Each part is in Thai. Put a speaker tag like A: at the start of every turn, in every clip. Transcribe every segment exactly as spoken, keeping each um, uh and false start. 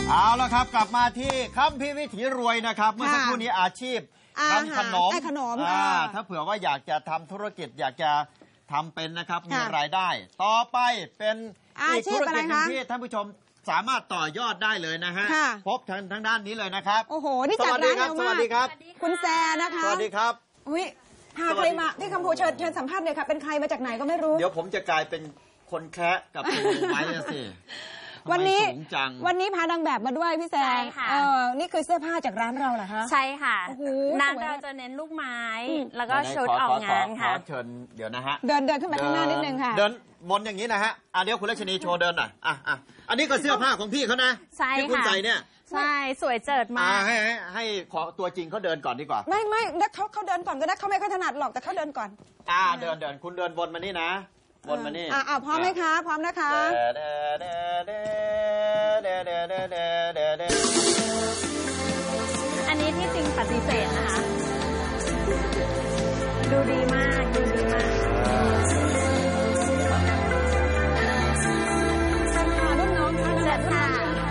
A: เอาละครับกลับมาที่คัมภีร์วิถีรวยนะครับเมื่อสักครู่นี้อาชีพทำขนม
B: ขนม
A: ถ้าเผื่อว่าอยากจะทำธุรกิจอยากจะทำเป็นนะครับมีรายได้ต่อไปเป็นอีกธุรกิจหนึ่งที่ท่านผู้ชมสามารถต่อยอดได้เลยนะฮะพบทางทางด้านนี้เลยนะครับ
B: โอ้โหนี่จัดร้านเร็วมาก
A: สวัสดีครับ
B: คุณแซนะคะ
A: สวัสดีครับ
B: อุ้ยพาใครมาที่กัมพูชาเชิญสัมภาษณ์เลยค่ะเป็นใครมาจากไหนก็ไม่รู้
A: เดี๋ยวผมจะกลายเป็นคนแคะกับคุณไม้สิ
B: วันนี้วันนี้พานางแบบมาด้วยพี่แซงเออนี่คือเสื้อผ้าจากร้านเราเหรอคะ
C: ใช่ค่ะนางเราจะเน้นลูกไม้แล้วก็ชุดออกงานค่ะ
A: เชิญเดี๋ยวนะฮะ
B: เดินเดินขึ้นไปข้างหน้านิดนึงค่ะ
A: เดินวนอย่างนี้นะฮะอ่ะเดี๋ยวคุณรัชนีโชว์เดินหน่อยอ่ะอ่ะอันนี้ก็เสื้อผ้าของพี่เขานะที่คุณใส่เนี่ย
C: ใช่สวยเจิดมาก
A: ให้ให้ให้ขอตัวจริงเขาเดินก่อนดีกว่า
B: ไม่ไม่แล้วเขาเขาเดินก่อนก็ได้เขาไม่ค่อยถนัดหรอกแต่เขาเดินก่อน
A: อ่าเดินเดินคุณเดินวนมานี่นะวนมานี่
B: อ่าพร้อมไหมคะพร้อมนะคะ
C: อันนี้ที่จริงปฏิเสธนะคะดูดีมากดูดีมาก
B: รุ่นน้องค่ะ
C: เจ็ดค่ะ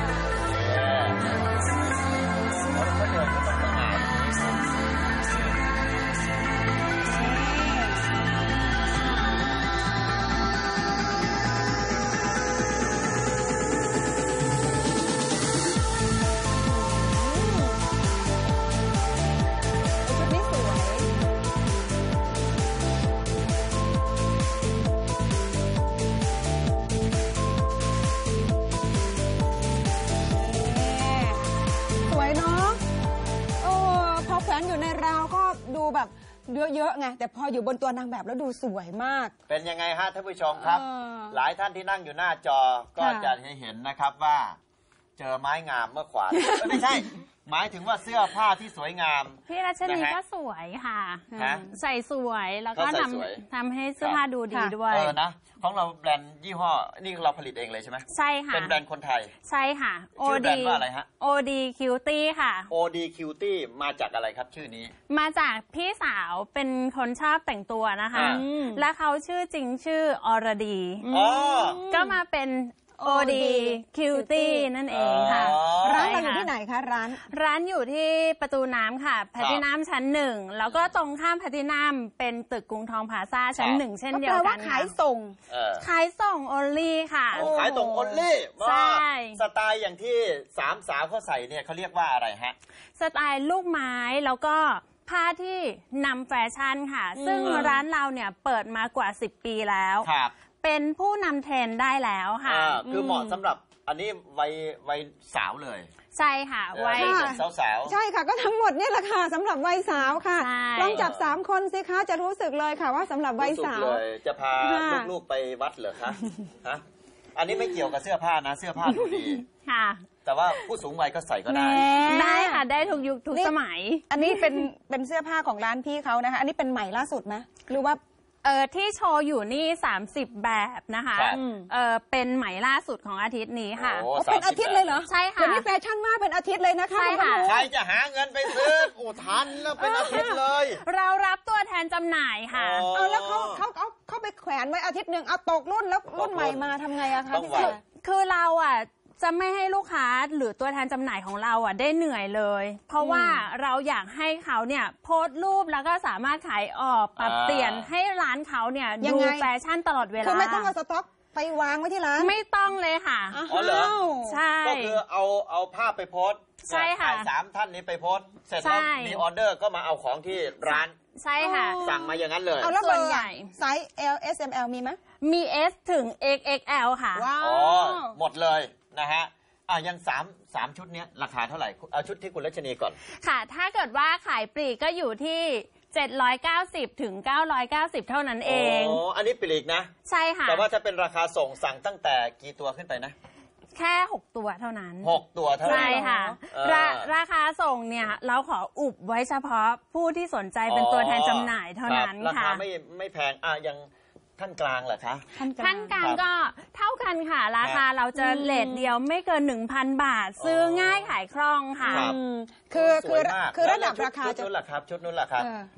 B: แบบเยอะๆไงแต่พออยู่บนตัวนางแบบแล้วดูสวยมาก
A: เป็นยังไงฮะท่านผู้ชมครับหลายท่านที่นั่งอยู่หน้าจอก็จะให้เห็นนะครับว่าเจอไม้งามเมื่อขวานไม่ใช่หมายถึงว่าเสื้อผ้าที่สวยงาม
C: พี่รัชนีก็สวยค่ะใส่สวยแล้วก็ทำทำให้เสื้อผ้าดูดีด้วย
A: เออนะของเราแบรนด์ยี่ห้อนี่เราผลิตเองเลยใช่ไหม
C: ใช่ค่ะ
A: เป็นแบรนด์คนไทย
C: ใช่ค่ะ
A: ชื่อแบรนด์ว่าอะไรฮะ
C: โอ ดี Cutie ค่ะ
A: โอ ดี Cutie มาจากอะไรครับชื่อนี้
C: มาจากพี่สาวเป็นคนชอบแต่งตัวนะคะและเขาชื่อจริงชื่ออรดีก็มาเป็นโอ ดี Cutie นั่นเองค่ะ
B: ร้านอยู่ที่ไหนคะร้าน
C: ร้านอยู่ที่ประตูน้ำค่ะแพลตินัมชั้นหนึ่งแล้วก็ตรงข้ามแพลตินัมเป็นตึกกรุงทองพลาซ่าชั้นหนึ่งเช่นเดียวกัน
B: ขายส่ง
C: ขายส่ง only ค่ะ
A: ขายส่ง only ใช่สไตล์อย่างที่สามสาวเขาใส่เนี่ยเขาเรียกว่าอะไรฮะ
C: สไตล์ลูกไม้แล้วก็ผ้าที่นำแฟชั่นค่ะซึ่งร้านเราเนี่ยเปิดมากว่าสิบปีแล้วเป็นผู้นำเทรนด์ได้แล้วค่ะ
A: คือเหมาะสำหรับอันนี้วัยวัยสาวเลย
C: ใช่ค่ะวัย
A: สาวสาว
B: ใช่ค่ะก็ทั้งหมดนี่แหละค่ะสำหรับวัยสาวค่ะลองจับสามคนสิคะจะรู้สึกเลยค่ะว่าสำหรับวัยสาว
A: เลยจะพาลูกๆไปวัดเหรอคะฮะอันนี้ไม่เกี่ยวกับเสื้อผ้านะเสื้อผ้าดูดี
C: ค่ะ
A: แต่ว่าผู้สูงวัยก็ใส่ก็ได้
C: ได้ค่ะได้ทุกยุคทุกสมัย
B: อันนี้เป็นเป็นเสื้อผ้าของร้านพี่เขานะคะอันนี้เป็นใหม่ล่าสุดไหมหรือว่า
C: เออที่โชว์อยู่นี่สามสิบแบบนะคะเออเป็นไหมล่าสุดของอาทิตย์นี้ค่ะ
B: เป็นอาทิตย์เลยเหรอ
C: ใช่ค่ะ
B: เดี๋ยวนี้แฟชั่นมากเป็นอาทิตย์เลยนะคะ
C: ใช่ค่ะ
A: ใครจะหาเงินไปซื้ออุทันแล้วเป็นอาทิตย์เลย
C: เรารับตัวแทนจำหน่ายค่ะ
B: เอาแล้วเขาเขาเอาเขาไปแขวนไว้อาทิตย์หนึ่งเอาตกรุ่นแล้วรุ่นใหม่มาทำไงอะคะพี่แซ
C: คือเราอะจะไม่ให้ลูกค้าหรือตัวแทนจำหน่ายของเราอ่ะได้เหนื่อยเลยเพราะว่าเราอยากให้เขาเนี่ยโพสต์รูปแล้วก็สามารถขายออกปรับเปลี่ยนให้ร้านเขาเนี่ยดูแฟชั่นตลอดเวลา
B: คือไม่ต้องเอาสต็อกไปวางไว้ที่ร้าน
C: ไม่ต้องเลยค่ะ
A: อ๋อเหรอ
C: ใช่
A: ก็คือเอาเอาภาพไปโพสต์
C: ใช่ค่ะ
A: สามท่านนี้ไปโพสต์เสร็จแล้วมีออเดอร์ก็มาเอาของที่ร้าน
C: ใช่ค่ะ
A: สั่งมาอย่างนั้นเลย
B: เอาแล้วเบอร์ใหญ่ไซส์ L S M L มีไหม
C: มี S ถึง เอ็กซ์ เอ็กซ์ แอล ค่ะ
B: ว้าว
A: หมดเลยนะฮะอ่ะยังสามสามชุดนี้ราคาเท่าไหร่เอาชุดที่คุณรัชนีก่อน
C: ค่ะถ้าเกิดว่าขายปลีกก็อยู่ที่เจ็ดร้อยเก้าสิบถึงเก้าร้อยเก้าสิบเท่านั้นเอง
A: อ๋ออันนี้ปลีกนะ
C: ใช่ค่ะ
A: แต่ว่าจะเป็นราคาส่งสั่งตั้งแต่กี่ตัวขึ้นไปนะ
C: แค่หกตัวเท่านั้น
A: หกตัวเท่านั้น
C: ใช่ค่ะราราคาส่งเนี่ยเราขออุบไว้เฉพาะผู้ที่สนใจเป็นตัวแทนจำหน่ายเท่านั้นค่ะ
A: ราคาไม่ไม่แพงอ่ะยังท่านกลางเหรอคะ
C: ท่านกลางก็เท่ากันค่ะราคาเราจะเลทเดียวไม่เกิน หนึ่งพัน บาทซื้อง่ายขายคล่องค่ะ
B: คือคือคือระดับราคา
A: ชุดนู้นล่ะครับชุดนู้นล่ะครับ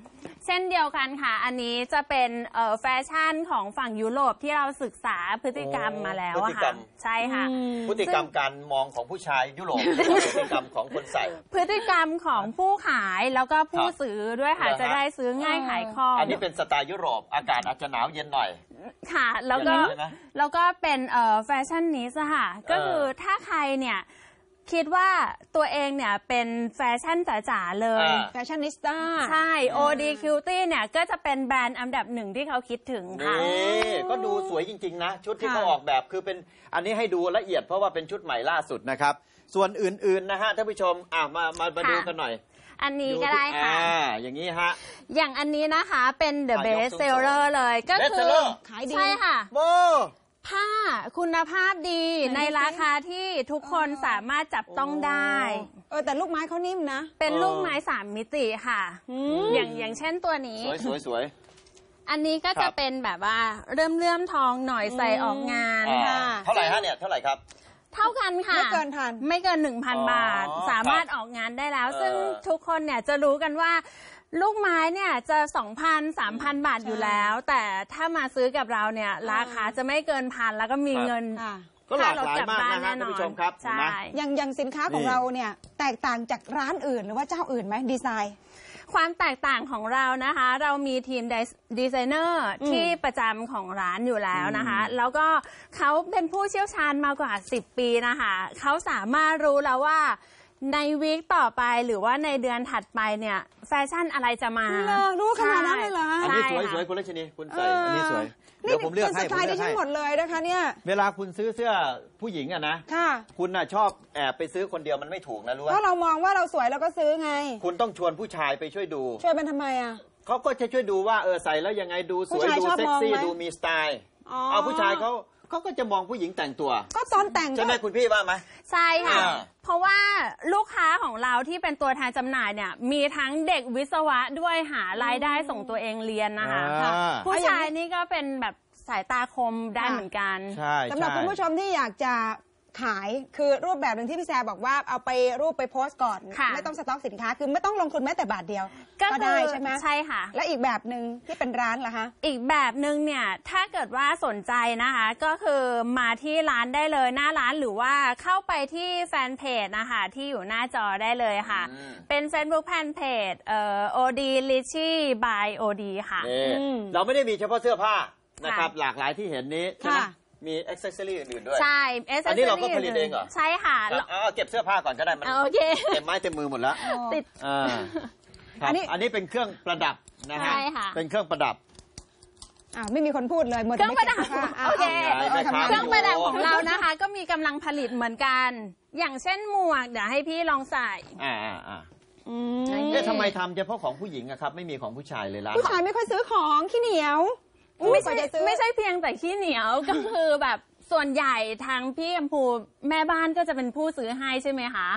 C: เช่นเดียวกันค่ะอันนี้จะเป็นแฟชั่นของฝั่งยุโรปที่เราศึกษาพฤติกรรมมาแล้วอะค่ะใช่ค่ะ
A: พฤติกรรมการมองของผู้ชายยุโรปพฤติกรรมของคนใส่
C: พฤติกรรมของผู้ขายแล้วก็ผู้ซื้อด้วยค่ะจะได้ซื้อง่ายขายคล่อง
A: อันนี้เป็นสไตล์ยุโรปอากาศอาจจะหนาวเย็นหน่อย
C: ค่ะแล้วก็แล้วก็เป็นแฟชั่นนิสต์ค่ะก็คือถ้าใครเนี่ยคิดว่าตัวเองเนี่ยเป็นแฟชั่นจ๋าๆเลย
B: แฟชั่นนิสต้า
C: ใช่ โอ ดี Cutie เนี่ยก็จะเป็นแบรนด์อันดับหนึ่งที่เขาคิดถึงค่ะ
A: นี่ก็ดูสวยจริงๆนะชุดที่เขาออกแบบคือเป็นอันนี้ให้ดูละเอียดเพราะว่าเป็นชุดใหม่ล่าสุดนะครับส่วนอื่นๆนะฮะท่านผู้ชมอ่ะมามามาดูกันหน่อย
C: อันนี้ก็ได้ค่ะ
A: อ่าอย่างนี้ฮะ
C: อย่างอันนี้นะคะเป็น The Best Seller เลยก็คือ
B: ขายดี
C: ใช่ค่ะ
A: โบ
C: ผ้าคุณภาพดีในราคาที่ทุกคนสามารถจับต้องได้
B: เออแต่ลูกไม้เขานิ่มนะ
C: เป็นลูกไม้สามมิติค่ะอย่างอย่างเช่นตัวนี้
A: สวยสวยสวย
C: อันนี้ก็จะเป็นแบบว่าเริ่มเลื่อมทองหน่อยใส่ออกงาน
A: ค่ะเท่าไหร่ฮะเนี่ยเท่าไหร่ครับ
C: เท่ากันค่ะ
B: ไม่เกินพัน
C: ไม่เกินหนึ่งพันบาทสามารถออกงานได้แล้วซึ่งทุกคนเนี่ยจะรู้กันว่าลูกไม้เนี่ยจะ สองพัน สามพัน บาทอยู่แล้วแต่ถ้ามาซื้อกับเราเนี่ยราคาจะไม่เกินพันแล้วก็มีเงิน
A: ก็หลากหลายมากนะฮะท่านผู้ชมครับ
C: ใช่
B: อย่างอย่างสินค้าของเราเนี่ยแตกต่างจากร้านอื่นหรือว่าเจ้าอื่นไหมดีไซน์
C: ความแตกต่างของเรานะคะเรามีทีมดีไซเนอร์ที่ประจำของร้านอยู่แล้วนะคะแล้วก็เขาเป็นผู้เชี่ยวชาญมากว่าสิบปีนะคะเขาสามารถรู้แล้วว่าในวีคต่อไปหรือว่าในเดือนถัดไปเนี่ยแฟชั่นอะไรจะมา
B: รู้ขนาดนั้นเลยเหรอ
A: อันนี้สวยสวยคุณรัชนีคุณใส่อันนี้สวยเดี๋ยวผมเลือกให้ผม
B: เลือกให้หมดเลยนะคะเนี่ย
A: เวลาคุณซื้อเสื้อผู้หญิงอะนะคุณน่ะชอบแอบไปซื้อคนเดียวมันไม่ถูกนะรู้ไหม
B: เพราะเรามองว่าเราสวยเราก็ซื้อไง
A: คุณต้องชวนผู้ชายไปช่วยดู
B: ช่วยเป็นทำไมอะ
A: เขาก็จะช่วยดูว่าเออใส่แล้วยังไงดูสวยดูเซ็กซี่ดูมีสไตล์เอาผู้ชายเขาเขาก็จะมองผู้หญิงแต่งตัว
B: ก็ตอนแต่ง
A: ใช่ไหมคุณพี่ว่าไหม
C: ใช่ค่ะเพราะว่าลูกค้าของเราที่เป็นตัวแทนจำหน่ายเนี่ยมีทั้งเด็กวิศวะด้วยหารายได้ส่งตัวเองเรียนนะคะผู้ชายนี่ก็เป็นแบบสายตาคมได้เหมือนกัน
B: สำหรับคุณผู้ชมที่อยากจะขายคือรูปแบบหนึ่งที่พี่แซร์บอกว่าเอาไปรูปไปโพสต์ก่อนไม่ต้องสต็อกสินค้าคือไม่ต้องลงทุนแม้แต่บาทเดียวก็ได้ใช่ไหม
C: ใช่ค่ะ
B: และอีกแบบหนึ่งที่เป็นร้านล่ะคะ
C: อีกแบบหนึ่งเนี่ยถ้าเกิดว่าสนใจนะคะก็คือมาที่ร้านได้เลยหน้าร้านหรือว่าเข้าไปที่แฟนเพจนะคะที่อยู่หน้าจอได้เลยค่ะเป็น Facebook แฟนเพจเอ่อ โอ ดี Richie by โอ ดี ค่ะ
A: เราไม่ได้มีเฉพาะเสื้อผ้านะครับหลากหลายที่เห็นนี้ใช่ไหมมีอ็อกเซสซอรี่อื่นๆด้วย
C: ใช่
A: อันนี้เราก็ผลิตเองเหรอ
C: ใช่ค่ะ
A: เอาเก็บเสื้อผ้าก่อนก็ได้มัน
C: โอเค
A: เต็มไม้เต็มมือหมดแล้ว
C: ติด
A: อันนี้อันนี้เป็นเครื่องประดับนะฮะเป็นเครื่องประดับ
B: อ่าไม่มีคนพูดเลย
C: เครื่องประดับโอเคเครื่องประดับของเรานะคะก็มีกำลังผลิตเหมือนกันอย่างเช่นหมวกเดี๋ยวให้พี่ลองใส่
A: อ่าอ่าอ่าเอ๊ะทำไมทำเฉพาะของผู้หญิงอะครับไม่มีของผู้ชายเลยล่ะ
B: ผู้ชายไม่ค่อยซื้อของขี้เหนียว
C: ไม่ใช่ไม่ใช่เพียงแต่ขี้เหนียวก็คือแบบส่วนใหญ่ทางพี่กัมพูแม่บ้านก็จะเป็นผู้ซื้อให้ใช่ไหมคะ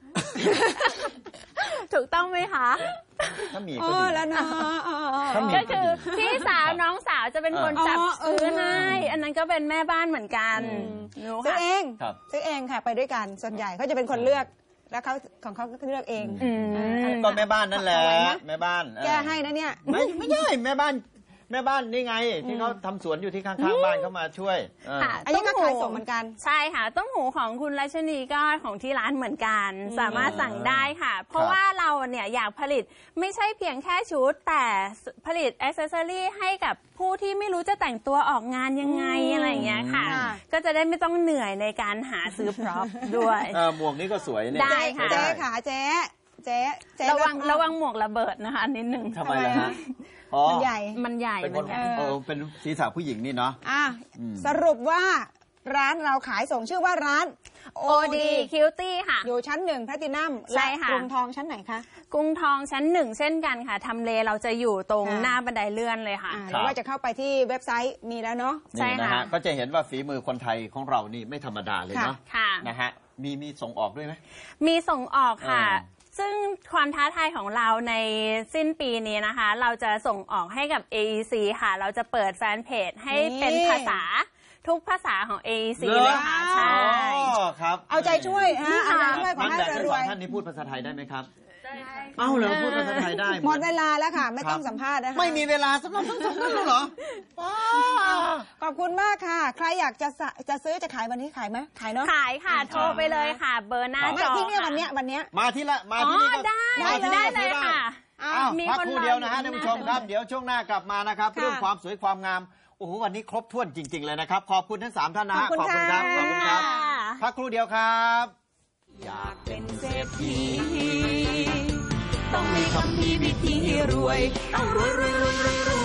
C: ถูกต้องไหมคะ
A: ถ้ามีก็ดี
B: แล้วนะ
C: ก็คือพี่สาวน้องสาวจะเป็นคนจับซื้อให้อันนั้นก็เป็นแม่บ้านเหมือนกัน
B: ซื้อเองซื้อเองค่ะไปด้วยกันส่วนใหญ่เขาจะเป็นคนเลือกแล้วเขาของเขาก็เลือกเอง
A: ก็แม่บ้านนั่นแหละแม่บ้าน
B: แกให้นะเนี่ย
A: ไม่ไม่ใช่แม่บ้านแม่บ้านนี่ไงที่เขาทำสวนอยู่ที่ข้างๆบ้านเขามาช่วย
B: อันนี้ก็ขายส่งเหมือนกัน
C: ใช่ค่ะต้มหูของคุณรัชนีก็ของที่ร้านเหมือนกันสามารถสั่งได้ค่ะเพราะว่าเราเนี่ยอยากผลิตไม่ใช่เพียงแค่ชุดแต่ผลิตแอคเซสซอรี่ให้กับผู้ที่ไม่รู้จะแต่งตัวออกงานยังไงอะไรอย่างเงี้ยค่ะก็จะได้ไม่ต้องเหนื่อยในการหาซื้อพร็อพด้วย
A: หมวกนี้ก็สวยเนี่ย
C: ได้ค่ะ
B: เจ๊ค่ะเจ๊เจ๊
C: ระวังระวังหมวกระเบิดนะคะนิดนึง
A: ทำไมล่ะฮะ
B: มันใหญ่
C: มันใหญ่
A: เป็นคนเออเป็นศีรษะผู้หญิงนี่เนาะ
B: อ่ะสรุปว่าร้านเราขายส่งชื่อว่าร้าน
C: โอ ดี Cutie ค่ะ
B: อยู่ชั้นหนึ่งแพลตินัมและกรุงทองชั้นไหนคะ
C: กรุงทองชั้นหนึ่งเช่นกันค่ะทำเลเราจะอยู่ตรงหน้าบันไดเลื่อนเลยค่ะ
B: หรือว่าจะเข้าไปที่เว็บไซต์มีแล้วเนาะ
A: ใช่ค่ะก็จะเห็นว่าฝีมือคนไทยของเรานี่ไม่ธรรมดาเลยเนาะนะฮะมีมีส่งออกด้วยไหม
C: มีส่งออกค่ะซึ่งความท้าทายของเราในสิ้นปีนี้นะคะเราจะส่งออกให้กับ เอ อี ซี ค่ะเราจะเปิดแฟนเพจให้เป็นภาษาทุกภาษาของ เอ อี ซี เลยค่ะใช่
A: ครับ
B: เอาใจช่วยฮะอาจารย์ช่วยขอให้รวยๆ
A: ท่านนี้พูดภาษาไทยได้ไหมครับเอ้าเหรอพูดภาษาไทยได้
B: หมดเวลาแล้วค่ะไม่ต้องสัมภาษณ์นะคะ
A: ไม่มีเวลาสำหรับทั้งสองท่านเหรอ
B: ขอบคุณมากค่ะใครอยากจะจะซื้อจะขายวันนี้ขายไหมขายเนาะ
C: ขายค่ะโทรไปเลยค่ะเบอร์หน้าจอ
B: ที่นี่วันนี้วันนี้
A: มาที่ละมาที่นี่ก็
C: ได้ได้เลยค่ะ
A: มีพักครู่เดียวนะฮะท่านผู้ชมครับเดี๋ยวช่วงหน้ากลับมานะครับเรื่องความสวยความงามโอ้โหวันนี้ครบถ้วนจริงๆเลยนะครับขอบคุณทั้งสามท่านนะฮะ
B: ขอบคุณครับ
A: ขอบคุณครับพักครู่เดียวครับ
D: อยากเป็นเศรษฐีต้องมีคำพีวิธีรวยต้องรวยรวยรวยรวย